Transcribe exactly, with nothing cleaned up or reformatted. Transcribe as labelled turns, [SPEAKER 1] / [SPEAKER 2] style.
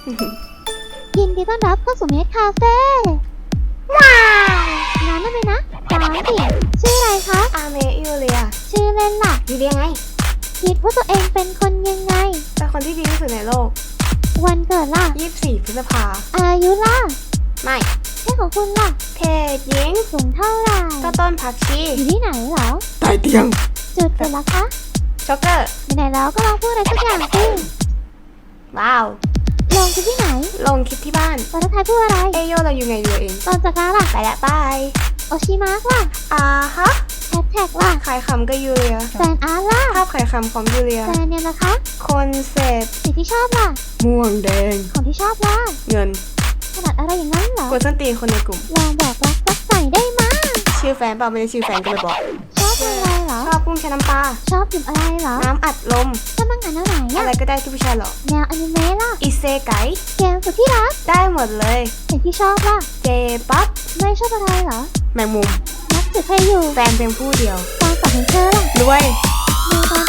[SPEAKER 1] ยินดีต้อนรับเข้าสู่เมดคาเฟ่ว้าวน้ำได้ไหมนะสามสิชื่ออะไรคะ
[SPEAKER 2] อาเมยูเลีย
[SPEAKER 1] ชื่อเล่นล่ะ
[SPEAKER 2] ยูเลียไง
[SPEAKER 1] คิดว่าตัวเองเป็นคนยังไง
[SPEAKER 2] เป็นคนที่ดีที่สุดในโลก
[SPEAKER 1] วันเกิดล่ะ
[SPEAKER 2] ยี่สิบสี่พฤษภา
[SPEAKER 1] อายุล่ะ
[SPEAKER 2] ไม่
[SPEAKER 1] ชื่อของคุณล่ะ
[SPEAKER 2] เพศหญิง
[SPEAKER 1] สูงเท่าไหร่
[SPEAKER 2] ก็ต้นผักชี
[SPEAKER 1] อยู่ที่ไหนเหรอ
[SPEAKER 2] ใต้เตียง
[SPEAKER 1] จุดเกิดละคะ
[SPEAKER 2] ช็อกเกอร์
[SPEAKER 1] ไหนๆแล้วก็ลองพูดอะไรสักอย่างสิ
[SPEAKER 2] ว้าว
[SPEAKER 1] ลงคือที่ไหน
[SPEAKER 2] ลงคลิปที่บ้าน
[SPEAKER 1] ตอนท้ายพูดอะไร
[SPEAKER 2] เอโยเราอยู่ไงอยู่เอง
[SPEAKER 1] ตอนจากการล่ะ
[SPEAKER 2] ไปละบาย
[SPEAKER 1] โอชิมาร์กล่ะ
[SPEAKER 2] อ่าฮะ
[SPEAKER 1] แฮชแท็กล่ะ
[SPEAKER 2] ขายคำก็ยูเลีย
[SPEAKER 1] แฟนอาร์ตล่ะ
[SPEAKER 2] ภาพขายคำของยูเลีย
[SPEAKER 1] แฟนเนี่ยนะคะ
[SPEAKER 2] คอนเซ็ปต์
[SPEAKER 1] สีที่ชอบล่ะ
[SPEAKER 2] ม่วงแดง
[SPEAKER 1] ของที่ชอบล่ะ
[SPEAKER 2] เงิน
[SPEAKER 1] ขนาดอะไรอย่างนั้นเหรอ
[SPEAKER 2] กดส้นตีนคนในกลุ่ม
[SPEAKER 1] ลองบอกรักรักใส่ได้มั้ย
[SPEAKER 2] ชื่อแฟนเปล่าไม่ได้ชื่อแฟนก็ไปบอก
[SPEAKER 1] ชอบอะไรเหรอ
[SPEAKER 2] ชอบกุ้งแช่น้ำปลา
[SPEAKER 1] ชอบดื่มอะไรเหรอ
[SPEAKER 2] น้ำอัดลม
[SPEAKER 1] ชอบมังงานแนวไหน
[SPEAKER 2] อะ
[SPEAKER 1] อะ
[SPEAKER 2] ไรก็ได้ที่ผู้ชายหรอ
[SPEAKER 1] แนวอนิเมะล่ะ
[SPEAKER 2] อิเซไก
[SPEAKER 1] เกมสุดที่รัก
[SPEAKER 2] ได้หมดเลย
[SPEAKER 1] สิ่งที่ชอบล่ะ
[SPEAKER 2] เจป๊อป
[SPEAKER 1] ไม่ชอบอะไรเหรอ
[SPEAKER 2] แมงมุม
[SPEAKER 1] นักสืบใครอยู่
[SPEAKER 2] แฟนเพียงผู้เดียว
[SPEAKER 1] ตอนกับเธอล่ะ
[SPEAKER 2] รวย
[SPEAKER 1] ดูตอน